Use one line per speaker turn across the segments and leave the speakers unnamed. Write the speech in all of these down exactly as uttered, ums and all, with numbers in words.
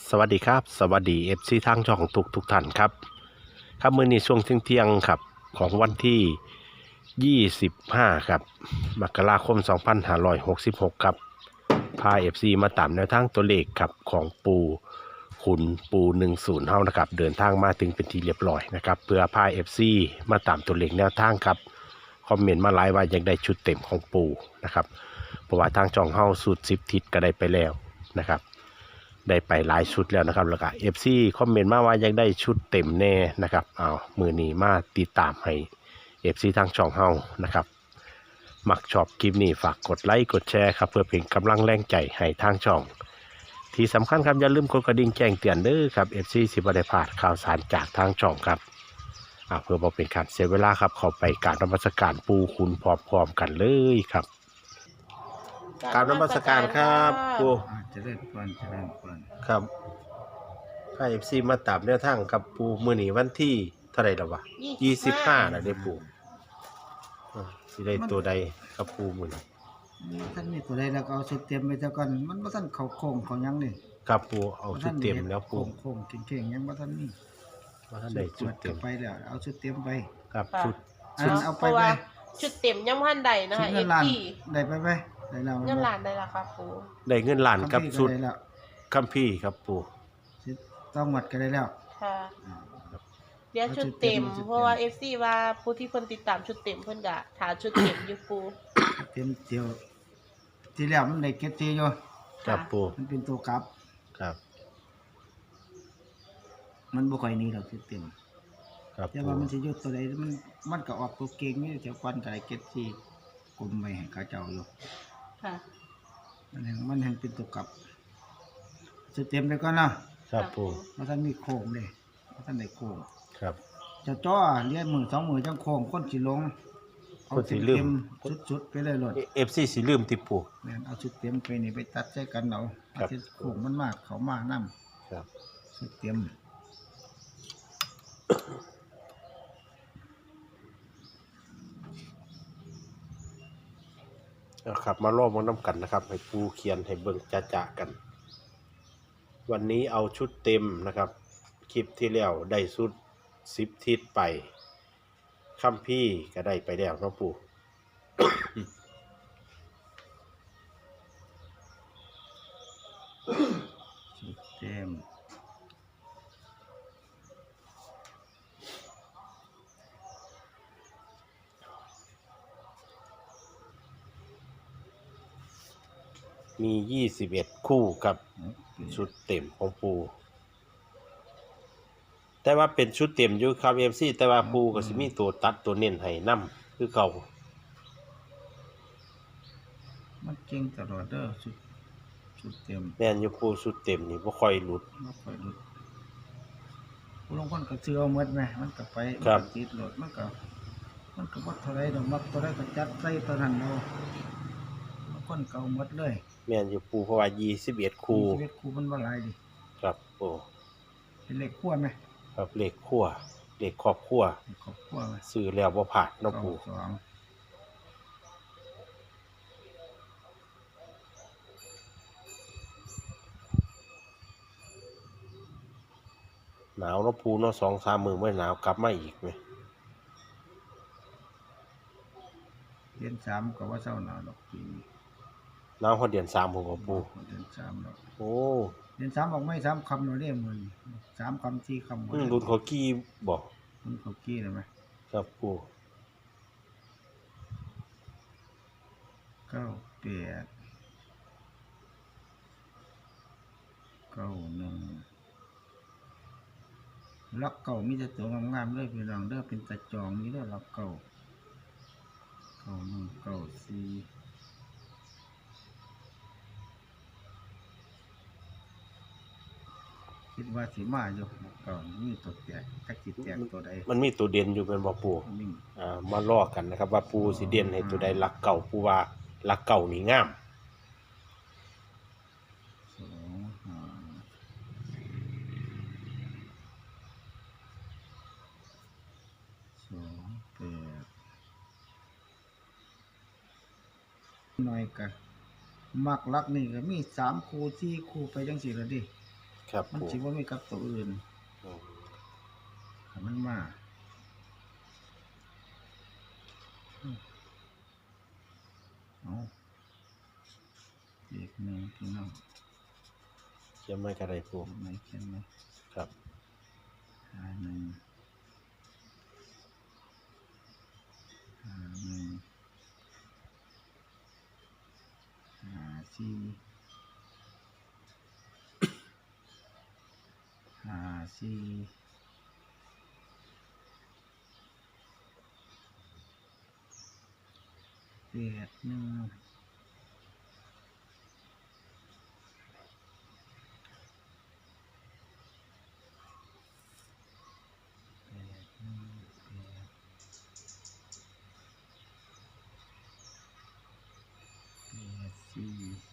สวัสดีครับสวัสดีเอฟซีทางช่องทุกทุกท่านครับครับมื้อนี้ช่วงเที่ยงๆครับของวันที่ยี่สิบห้าครับมกราคมสองพันห้าร้อยหกสิบหกครับพาเอฟซีมาตามแนวทางตัวเลขครับของปูขุนปูหนึ่งศูนย์เฮานะครับเดินทางมาถึงเป็นที่เรียบร้อยนะครับเพื่อพาเอฟซีมาตามตัวเลขแนวทางครับคอมเมนต์มาหลายว่าอยากได้ชุดเต็มของปูนะครับเพราะว่าทางช่องเฮาสูตรสิบทิศก็ได้ไปแล้วนะครับได้ไปหลายชุดแล้วนะครับแล้วก็เอฟซีคอมเมนต์มาว่าอยากได้ชุดเต็มแน่นะครับเอามือนี้มาติดตามให้เอฟซีทางช่องเฮานะครับมักชอบคลิปนี้ฝากกดไลค์กดแชร์ครับเพื่อเป็นกำลังแรงใจให้ทางช่องที่สำคัญครับอย่าลืมกดกระดิ่งแจ้งเตือนเด้อครับเอฟซีสิบได้พลาดข่าวสารจากทางช่องครับเพื่อบ่เป็นการเสียเวลาครับเข้าไปกราบนมัสการปูคุณพร้อมๆกันเลยครับกราบนมัสการครับปู
อ่าเจะเล่นก่อนเจะเล่นก่อน
ครับถ้าเอฟซีมาตามแนวทางกับปูมือนีวันที่เท่าไหร่แล้ววะยี่สิบห้านะเด้ปูอ่าสิได้ตัวใดกับปูมือนี้
นี่ท่านมีตัวใดแล้วก็เอาชุดเตรียมไปเจ้าก่อนมันบ่ทันเข้าโค้งเขาหยังนี่
กับปูเอาชุดเต็มแล้วปู
โค้งโค้งเก่งๆยังบ่ทันมี
ว่าถ้าได้ชุดเต็ม
ไปแล้วเอาชุดเตรียมไป
กับชุด
อันเอา
เพ
ไป
ราะ
ไป
ว่าชุดเต็มยังพันใดนะ
ชุด
คะเอ
เงิน
ฟ
ล้าน
ซี
ได้ไปไปได้แล้ว
เงินล้านได้ละครับปู
ได้เงินล้านกับ
คัมภีร์
ชุด
ได้แล้ว
คัมพี่ครับปู
ชุดต้องหมดก็ได้แล้ว
ค่ะ
อ่า
เดี๋ยวชุดเต็ม เพราะว่าเอฟซีว่าผู้ที่เพิ่นติดตามชุดเต็มเพิ่นก็ถาชุดเต็มอยู่ปู
เตรียมเดียวที่แล้วมันได้เก็บทีอยู่
กับปู
มันเป็นตัวกลับ
ครับ
มันบ่ค่อยหนี้หรอกชุดเต็ม
ครับ
แต่
ปู
ว่ามันสิอยู่ตัวใดมันมันก็ออกตัวเก่งนี่เจ้าควันก็ได้เก็บที่กลมไว้ให้เขาเจ้าอยู่
ค่ะ
มันแห่งมันแห่งเป็นตัวกลับจะเต็มเลยก่อนเนาะ
ครับปู
มาท่านมีโค้งเลยมาท่านได้โค้ง
ครับ
จะจ้อเลี้ยมือสองมือจังโค้งคนสิลงเอา
คนสิ
ชุด
ลืม
เต็มชุดๆไปเลยโลด
เอฟซีสิลืมติปู
แม่นเอาชุดเต็มไปนี่ไปตัดใช้กันเอา
ครับ
เอาชุดโค้งมันมากเขามากนํ
ครับ
ชุดเต็ม
นะครับมาลอกมาน้ำกันนะครับให้ปูเขียนให้เบิ่งจะๆกัน วันนี้เอาชุดเต็มนะครับคลิปที่แล้วได้ชุดสิบทิศไปคัมพี่ก็ได้ไปแล้วเนาะปู่
ชุดเต็ม
มียี่สิบเอ็ดคู่กับชุดเต็มของปูแต่ว่าเป็นชุดเต็มอยู่ครับเอฟซีแต่ว่าปูก็สิมีตัวตัดตัวเน้นให้นำคือเก่า
มันเก่งตลอดเด้อชุดชุดเต็ม
แม่นอยู่ปูชุดเต็มนี่บ่ค่อยหลุด
บ่ค่อยหลุดผู้ลางคนก็ซื้อเอาหมดแหมมันก็ไป
ครับ
มันก็ติดโหลดมันก็มันก็บ่เท่าไรดอกมักเท่าไรก็จัดใส่ตัวนั้นเอาบางคนก็เอาหมดเลย
แม่นอยู่ปูเพราะว่ายี่สิบเอ็ดคู่
ชีวิตครูมันบ่หลายดิ
ครับโอ้
เป็นเลขขั้วไหม
ครับเลขครัวเลขครอบครัว
เลขครอบครัวไหม
ซื้อแล้วบ่ผ่านเนาะปู
สอง
หนาวเนาะปูเนาะสองสามมื้อไม่หนาวกลับมาอีกไหม
เดือนสามก็ว่าเศร้าหนาวดอกปีนี้
หนาวพอเดือนสามผมกับปู
เดือนสามดอก
โอ้
เดือนสามบอกไม่สามคำเราเรียกมันสามคำสี่คำ
อืมรุ่นเขากี้บอก
มันเขากี้เลยไหม
ครับปู
เก้าแปดเก้าหนึ่งล็อกเก่ามีแต่ตัวงามๆเลยพี่น้องเด้อเป็นตะจองนี่เด้อล็อกเก่าเก้าหนึ่งเก้าสี่คิดว่าสีมาอยู่ล็อกเก่ามีตัวแตกตะกิดแตกตัวใด
มันมีตัวเด่นอยู่เป็นบ่ปู
นิ่ง
อ่ามาลอกกันนะครับ ว่าปูสิเด่นให้ตัวใดหลักเก่าปูว่าหลักเก่านี่งาม
สองห้าสองแปดหน่อยกันมักลักนี่ก็มีสามคู่สี่คู่ไปจังสี่ละดิ
ครับ
มัน
ปู
สิบ่มีกับตัวอื่น
อืม
ถ้ามันมาอืมเอาเลขหนึ่งพี่น้อง
เขียนไม่กระไรปู
เขียนไหมเขียนไหม
ครับ
ห้าหนึ่งห้าหนึ่งห้าสี่ห้าสี่แปดหนึ่งแปดหนึ่งแปดแปดสี่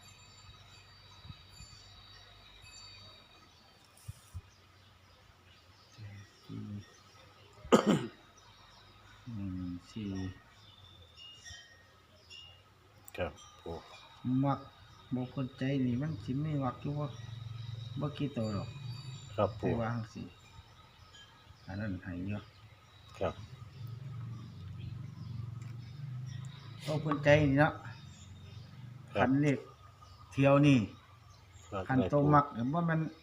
แปดสี่หนึ่งสี่
ครับปู
มักบ่คนใจนี่มันสิไม่มักอยู่ว่าบ่กี่ตัวหรอก
ครับ
ไป
ปู
วางสิอันนั้นให้เยอะ
ครับ
บ่คนใจนี่เนาะ
ครั
คั
บ
นเลขเที่ยวนี่
มา
คัน
ได้
ตัว
ปู
มักบ่แม่น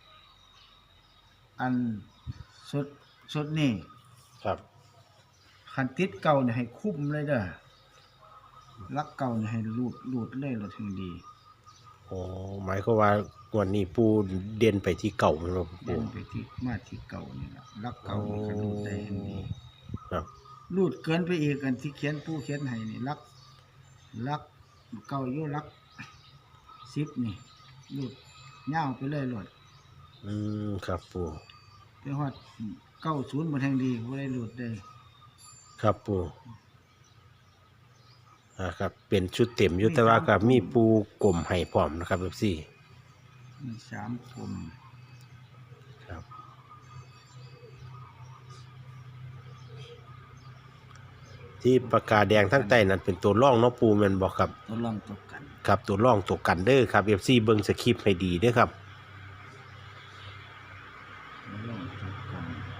อันสุดสุดนี่
ครับ
คันติดเก่านี่ให้คุ้มเลยเด้อลักเก่านี่ให้รูดรูดเลยเราถึงดี
โอ้หมายความว่าวันนี้ปูเด่นไปที่เก่าไหมครับ
เดิ
ปู
นไปที่มาที่เก่านี่ล่ะลักเก่านี่ก็รูดได้ให้ดี
ครับ
รูดเกินไปอีกอันที่เขียนผู้เขียนให้นี่ลักลักเก่าอยู่ลักสิบนี่รูดยาวไปเลยโลด
อืมครับปู
ไปฮอดเก้าศูนย์บ่แทงดีบ่ได้รูดได้
ครับปูอ่าครับเป็นชุดเต็มอยู่แต่ว่ากับมีปูกลมให้พร้อมนะครับแบบสี่
มีสามกลุ่ม
ครับที่ปากกาแดงทั้งใต้นั้นเป็นตัวร่องเนาะปูแม่นบอกครับ
ตัวรองตกกัน
ครับตัวร่องตัวกันเด้อครับเอฟซีเบิ่งสคริปต์ให้ดีเด้อครับ
ตัวรองตกกัน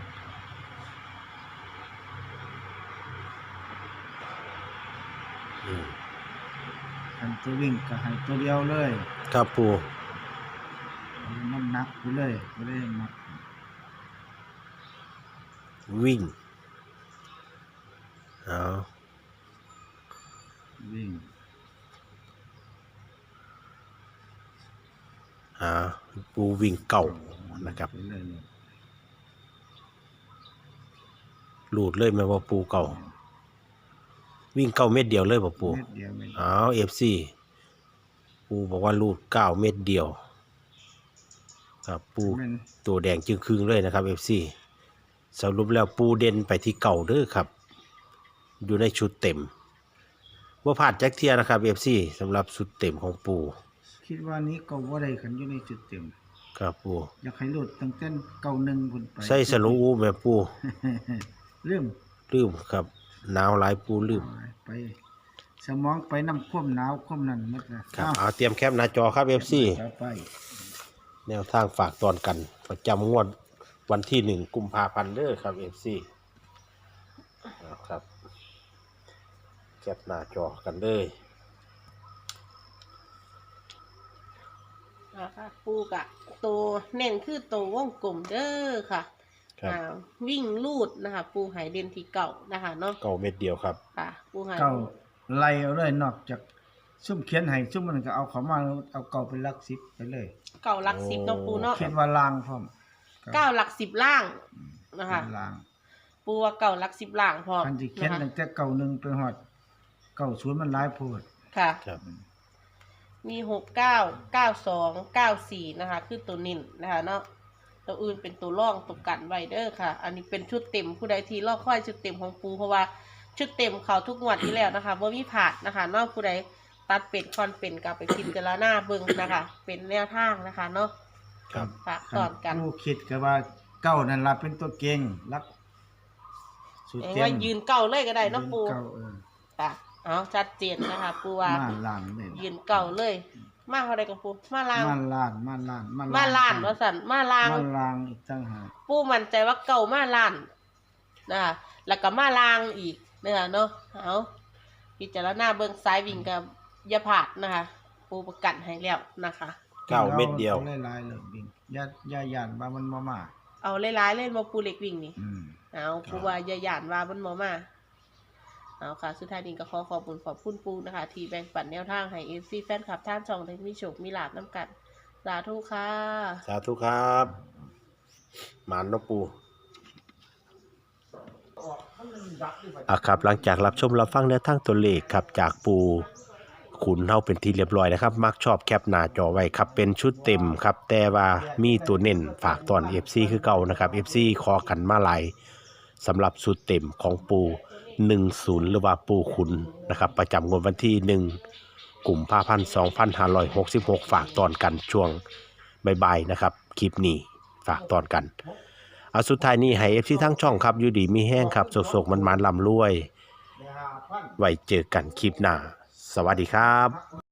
อืม
คันตัววิ่งก็ให้ตัวเดียวเลย
ครับปู
เอาน้ำหนักไปเลยบ่ได้มัก
วิ่งเอา
วิ่ง
อ่าปูวิ่งเก่านะครับ
ไปเลยเนี่ย
หลุดเลยแม่ว่าปูเก่า วิ่งเก้าเม็ดเดียวเลยบ่ปู
เม็ดเดียวเม็ดเดียว
อ้าวเอฟซีปูบอกว่ารูดเก้าเม็ดเดียว ครับปู
แม่น
ตัวแดงจึงครึ่งเลยนะครับเอฟซีสรุปแล้วปูเด่นไปที่เก่าเด้อครับ อยู่ในชุดเต็มว่าผ่านแจ็คเทียนะครับเอฟซีสำหรับชุดเต็มของปู
คิดว่านี้ก็บ่ได้คันอยู่ในจุดเต็ม
ครับปู
อยากให้รูดตั้งแต่เก้าหนึ่งพุ่นไป
ใส่สลุงอูแม่ปู
เรื่อง
ลืมครับหนาวหลายปูลืม
ไป สมองไปน้ำข้มหนาวข้มนั่นหมดนะครับ
เอาเตรียมแคปหน้าจอครับเอฟซี
ต่อไป
แนวทางฝากตอนกันประจำงวดวันที่หนึ่งกุมภาพันธ์เด้อครับเอฟซีครับแคปหน้าจอกันเลย
นะคะปูกะตัวเน้นคือตัววงกลมเด้อค่ะ
ครับ
อ่าวิ่งลูดนะคะ ปูหายเด่นที่เก่านะคะเนาะ
เก้าเม็ดเดียวครับ
ค่ะ ปูหาย
เก่าไล่เอาเลยนอกจากซุ่มเขียนให้ซุ่มมันก็เอาเขามาเอาเก่าเป็นหลักสิบไปเลย
เก่าหลักสิบเนาะปูเนาะ
เขียนว่าลางพร้อม
เก้าหลักสิบล่างนะคะ
เป็นลาง
ปูว่าเก่าหลักสิบล่างพร้อม
คันที่เขียน
นะคะ
ตั้งแต่เก่าหนึ่งไปฮอดเก่าศูนย์มันหลายโพด
ค่ะ
ครับ
มีหกเก้าเก้าสองเก้าสี่นะคะ คือตัวนิ่นนะคะเนาะตัวอื่นเป็นตัวร่องตัวกันไวเดอร์ค่ะ อันนี้เป็นชุดเต็มผู้ใดที่ลอกค่อยชุดเต็มของปูเพราะว่าชุดเต็มเขาทุกงวดที่แล้วนะคะว่ามีผาดนะคะ นอกผู้ใดตัดเป็ดคอนเป็นกลับไปพิจารณาเบิ่งนะคะ เป็นแนวทางนะคะเนาะ
ครับ
ฝากตอนกัน
ผู้คิดก็ว่าเก้านั่นล่ะเป็นตัวเก่งรักสุด
เอ้ย
เต็ม
ว่ายืนเก่าเลยก็ได้เนาะปู
เก้าเออ
ค่ะเอาชัดเจนนะคะปูว่า
มาล่างเลย
ยืนเก่าเลยมาเท่าใดกับปูมาลาง
ม่านล้านม่านล้าน
มาล้านว่าสั่นมาลาง
ม่านลางอีกต่างหาก
ปูมั่นใจว่าเก่ามาล้านนะคะแล้วก็มาลางอีกนะคะเนาะเอาพิจารณาเบิ่งซ้ายวิ่งกับอย่าพลาดนะคะ ปูประกันให้แล้วนะคะ
เก้าเม็ดเดียว
อาหลายๆเลยวิ่งอย่าอย่าย่านว่ามันบ่มา
เอาหลายๆเล่นบ่ปูเล็กวิ่งนี่
อืม
เอาปูว่าอย่าหยานว่ามันบ่มาเอาค่ะสุดท้ายนี้ก็ขอขอบคุณขอบคุณปูนะคะ ที่แบ่งปันแนวทางให้ เอฟ ซี แฟนคลับท่านช่องได้มีโชคมีลาภนํกันสาธุค่ะ
สาธุครับหมานเนาะปูอ่ะครับหลังจากรับชมรับฟังแนวทางตัวเลขครับจากปูขุนเฮาเป็นที่เรียบร้อยนะครับ มักชอบแคปหน้าจอไว้ครับเป็นชุดเต็มครับ แต่ว่ามีตัวเน้นฝากตอน เอฟ ซี คือเก่านะครับ เอฟ ซี ขอกันมาหลายสำหรับชุดเต็มของปูหนึ่งศูนย์หรือว่าปูขุนนะครับ ประจำงวดวันที่หนึ่งกุมภาพันธ์สองพันห้าร้อยหกสิบหกฝากตอนกันช่วงบ่ายๆนะครับคลิปนี้ฝากตอนกันเอาสุดท้ายนี้ให้ เอฟ ซี ทั้งช่องครับอยู่ดีมีแห้งครับโศกๆมันๆลำรวย ไว้เจอกันคลิปหน้า สวัสดีครับ